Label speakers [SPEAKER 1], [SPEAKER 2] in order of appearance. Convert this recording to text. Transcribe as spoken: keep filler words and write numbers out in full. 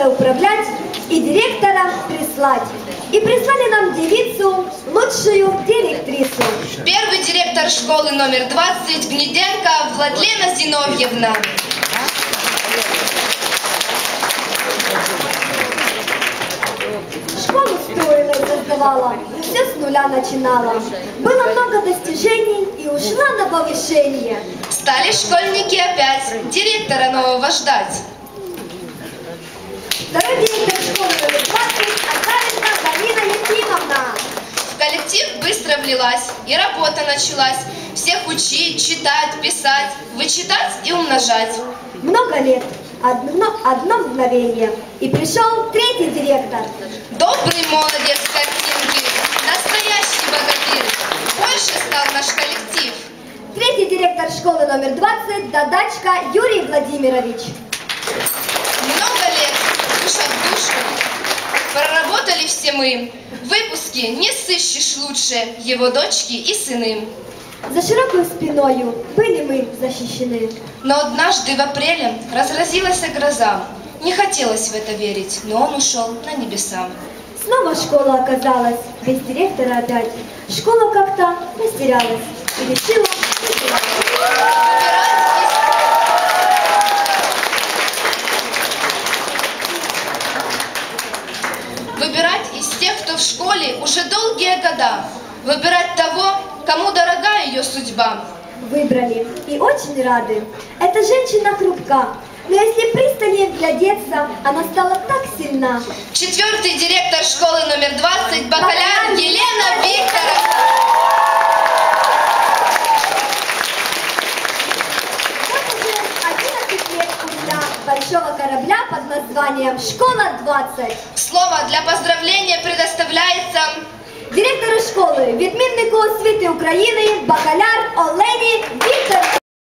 [SPEAKER 1] школой управлять и директора прислать. И прислали нам девицу, лучшую директрису.
[SPEAKER 2] Первый директор школы номер двадцать Гнеденко Владлена Зиновьевна.
[SPEAKER 1] Школу строила и создавала, все с нуля начинала. Было много достижений и ушла на повышение.
[SPEAKER 2] Стали школьники опять директора нового ждать.
[SPEAKER 1] Второй директор школы номер двадцать Азаренко Галина Ефимовна.
[SPEAKER 2] В коллектив быстро влилась, и работа началась. Всех учить, читать, писать, вычитать и умножать.
[SPEAKER 1] Много лет, одно, одно мгновение, и пришел третий директор.
[SPEAKER 2] Добрый молодец картинки, настоящий богатырь. Больше стал наш коллектив.
[SPEAKER 1] Третий директор школы номер двадцать Дадачка Юрий Владимирович.
[SPEAKER 2] Много лет, душа в душу, проработали все мы. Выпуски не сыщешь лучше его дочки и сыны.
[SPEAKER 1] За широкой спиною были мы защищены.
[SPEAKER 2] Но однажды в апреле разразилась гроза. Не хотелось в это верить, но он ушел на небеса.
[SPEAKER 1] Снова школа оказалась без директора опять. Школа как-то растерялась и решила
[SPEAKER 2] выбирать из тех, кто в школе уже долгие года. Выбирать того, кому дорога ее судьба.
[SPEAKER 1] Выбрали и очень рады. Эта женщина хрупка, но если пристальнее вглядеться, она стала так сильна.
[SPEAKER 2] Четвертый директор школы номер двадцать Бакаляр Елена Викторовна.
[SPEAKER 1] Вот уже одиннадцать лет спустя большого корабля под названием «Школа двадцать».
[SPEAKER 2] Слово для поздравления предоставляется
[SPEAKER 1] Директору школи, відміннику освіти України Бакаляр Олені